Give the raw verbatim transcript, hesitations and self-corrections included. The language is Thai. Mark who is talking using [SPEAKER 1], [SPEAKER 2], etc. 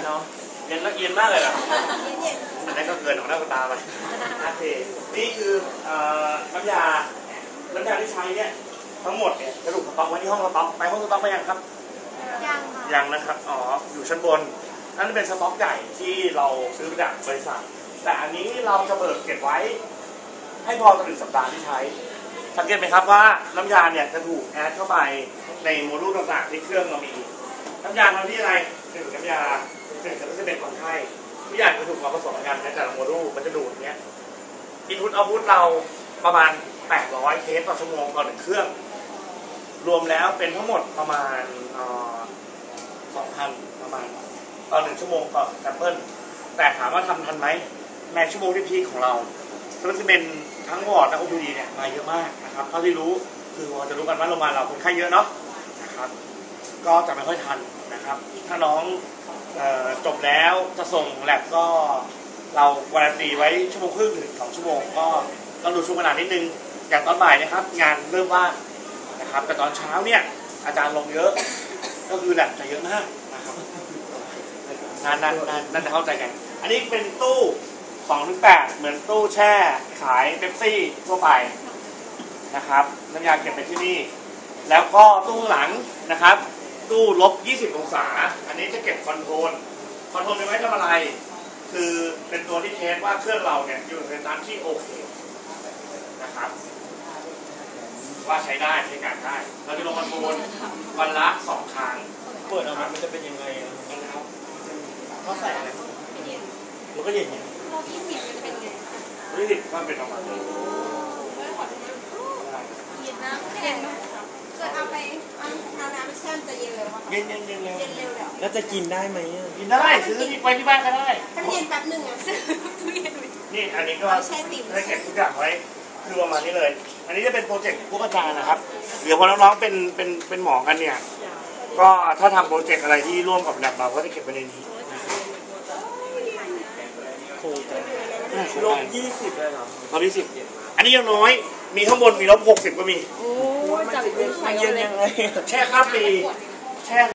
[SPEAKER 1] เนาะ
[SPEAKER 2] เย็นแล้วเย็นมากเลยล่ะอันนั้นก็เกินของหน้าตาไปโอเคนี่คือน้ำยาน้ำยาที่ใช้เนี่ยทั้งหมดเนี่ยกระดูกสต๊อกไว้ที่ห้องสต๊อกไปห้องสต๊อกไปยังครับ
[SPEAKER 3] ยังค่ะ
[SPEAKER 2] ยังนะครับอ๋ออยู่ชั้นบนนั่นเป็นสต๊อกใหญ่ที่เราซื้อจากบริษัทแต่อันนี้เราจะเบิกเก็บไว้ให้พอต่อหนึ่งสัปดาห์ที่ใช้สังเกตไหมครับว่าน้ำยาเนี่ยจะถูกแอดเข้าไปในโมดูลต่างๆที่เครื่องเรามีน้ำยาทำที่อะไรหนึ่งน้ำยาหนึ่งจะเป็นคนไข้ทุกอย่างจะถูกมาผสมกันในแต่ละโมดูลมันจะดูดเนี้ยอินพุตเอาพุตเราประมาณแปดร้อยเคสต่อชั่วโมงต่อหนึ่งเครื่องรวมแล้วเป็นทั้งหมดประมาณสองพันประมาณต่อหนึ่งชั่วโมงต่อแซมเปิลแต่ถามว่าทำทันไหมในชั่วโมงที่พีคของเราสเปซิเมนทั้งวอร์ดและ โอ พี ดี เนี่ยมาเยอะมากนะครับเท่าที่รู้คือเราจะรู้กันว่าโรงพยาบาลเราคนไข้เยอะเนาะนะครับก็จะไม่ค่อยทันนะครับถ้าน้องจบแล้วจะส่งแลบก็เราวารันตีไว้ชั่วโมงครึ่งถึงสองชั่วโมงก็ต้องดูช่วงเวลานิดนึงอย่างตอนบ่ายนะครับงานเริ่มว่างนะครับแต่ตอนเช้าเนี่ยอาจารย์ลงเยอะก็คือแลบจะเยอะมากนะครับงานนั้นนั่นจะเข้าใจกันอันนี้เป็นตู้สองถึงแปดเหมือนตู้แช่ขายเป๊ปซี่ทั่วไปนะครับน้ำยาเก็บไปที่นี่แล้วก็ตู้หลังนะครับตู้ลบยี่สิบองศาอันนี้จะเก็บคอนโทรลคอนโทรลเป็นไว้ทำอะไรคือเป็นตัวที่เทสว่าเครื่องเราเนี่ยอยู่ในสถานที่โอเคนะครับว่าใช้ได้ใช้การได้เราจะลงคอนโทรลวันละสองครั้ง
[SPEAKER 1] เปิดออกมามันจะเป็นยังไง
[SPEAKER 2] นะครับ
[SPEAKER 1] เขาใส่อะไรมันก็เย็น
[SPEAKER 3] รอบยี่สิบมันเป็นไง
[SPEAKER 2] ยี่สิบก็เป็นประมาณนี้
[SPEAKER 3] เย็นนะเย็นเกิดเอาไปเอาน้ำไปแช่จะเย็นเร็ว
[SPEAKER 2] เย็นเย็นเย็นเร็ว
[SPEAKER 3] เย็นเร็วแล้ว
[SPEAKER 1] แล้วจะกินได้ไหม
[SPEAKER 2] กินได้ซื้อที่ไปที่บ้านก็ได้
[SPEAKER 3] ถ้าเย็นแป๊บหนึ่งอ่ะซื้อตู้เย็น
[SPEAKER 2] นี่อันนี้ก็ได้เก็บทุกอย่างไว้คือประมาณนี้เลยอันนี้จะเป็นโปรเจกต์พวกอาจารย์นะครับเดี๋ยวพอน้องๆเป็นเป็นเป็นหมอกันเนี่ยก็ถ้าทำโปรเจกต์อะไรที่ร่วมกับแลบเราก็จะเก็บไว้ในนี้
[SPEAKER 1] โอ้ลบยี่สิบเลยเหรอ
[SPEAKER 2] ลบยี่สิบอันนี้ยังน้อยมีข้างบนมีลบหกสิบก็มี
[SPEAKER 3] โอ้จับ
[SPEAKER 1] มันเย็นยังไง
[SPEAKER 2] แช่ข้ามปีแช่